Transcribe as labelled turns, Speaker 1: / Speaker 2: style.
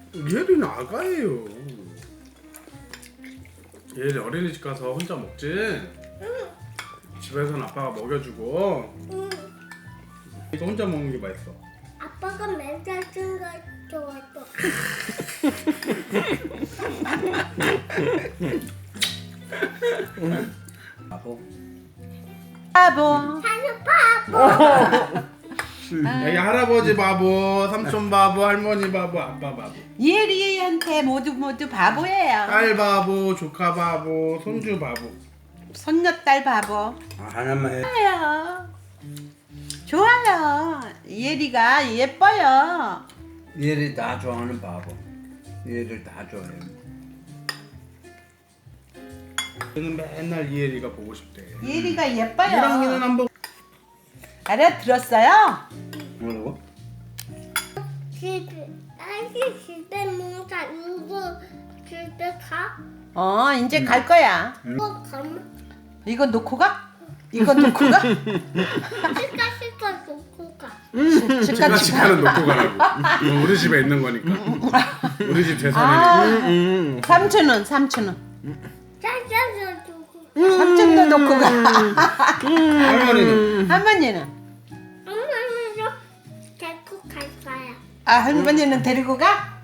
Speaker 1: 예리는 아가예요. 예리 어린이집 가서 혼자 먹지? 집에서는 아빠가 먹여주고. 이거 혼자 먹는 게 맛있어.
Speaker 2: 아빠가 맨날 쓴거 좋아했어.
Speaker 3: 바보.
Speaker 4: 바보.
Speaker 2: 사는 바보.
Speaker 1: 여기 할아버지 바보, 삼촌 바보, 할머니 바보, 아빠 바보.
Speaker 4: 예리한테 모두 바보예요.
Speaker 1: 딸 바보, 조카 바보, 손주 바보.
Speaker 4: 손녀딸 바보.
Speaker 3: 하나만 해.
Speaker 4: 좋아요. 좋아요. 예리가 예뻐요.
Speaker 3: 얘를 다 좋아하는 바보. 얘를 다 좋아해요.
Speaker 1: 저는 맨날 이혜리가 보고 싶대.
Speaker 4: 예리가 예뻐요.
Speaker 1: 이랑이는 안 보고.
Speaker 4: 알아들었어요?
Speaker 3: 뭐라고?
Speaker 2: 집에 딸기 집에 농사 이거 집에 가?
Speaker 4: 이제 갈 거야.
Speaker 2: 이거 가면
Speaker 4: 이거 놓고 가? 이거 놓고 가?
Speaker 2: 시가 놓고 가.
Speaker 1: 제가 집에는 놓고 가라고. 이거 우리 집에 있는 거니까. 우리 집 재산이니까.
Speaker 4: 삼촌은
Speaker 2: 짜장면 두고.
Speaker 4: 삼촌도 놓고 가.
Speaker 1: 할머니는
Speaker 4: 할머니는?
Speaker 2: 엄마는 데리고 갈 거야.
Speaker 4: 할머니는 데리고 가?